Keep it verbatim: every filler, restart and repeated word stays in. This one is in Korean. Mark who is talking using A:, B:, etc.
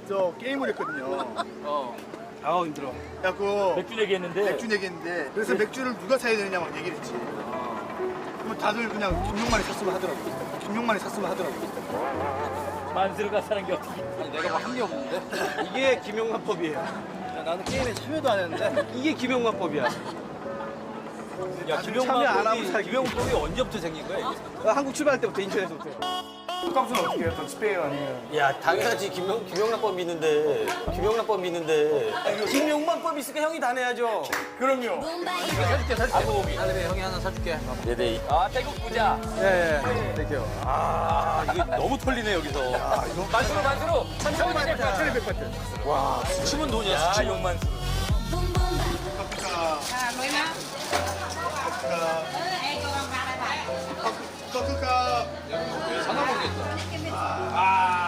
A: 저 게임을 했거든요.
B: 어. 아우 힘들어.
A: 그래갖고
B: 맥주 내기했는데.
A: 맥주 내기인데 그래서 맥주를 누가 사야 되느냐 막 얘기를 했지. 그러면 다들 그냥 김용만이 샀으면 하더라고. 김용만이 샀으면 하더라고.
B: 만수르가 사는 게 어떻게?
C: 아니, 내가 뭐 한 게 없는데?
D: 이게 김용만법이에요.
C: 야, 나는 게임에 참여도 안 했는데?
D: 이게 김용만법이야.
C: 야,
D: 참여 안 하고 살기.
C: 김용법이 언제부터 생긴 거야, 이게?
D: 한국 출발할 때부터 인천에서부터.
A: 값은 어떻게 해요? 더 스페인 아니면?
E: 야, 당연하지. 김용, 김용란법 있는데. 김용란법 있는데.
D: 김용만법 있으니까 형이 다 내야죠.
A: 그럼요.
C: 사줄게, 사줄게. 하늘에 형이 하나 사줄게.
E: 네네.
B: 아 태국 부자.
D: 예, 예. 땡큐.
C: 아, 이거 너무 털리네, 여기서.
B: 만수르 만수르. 천천히 백 파트.
A: 백 파트.
C: 와, 수치면 돈이야, 수치.
B: 아 용만수르.
A: 커크가
C: 사나 모르겠다.
B: 아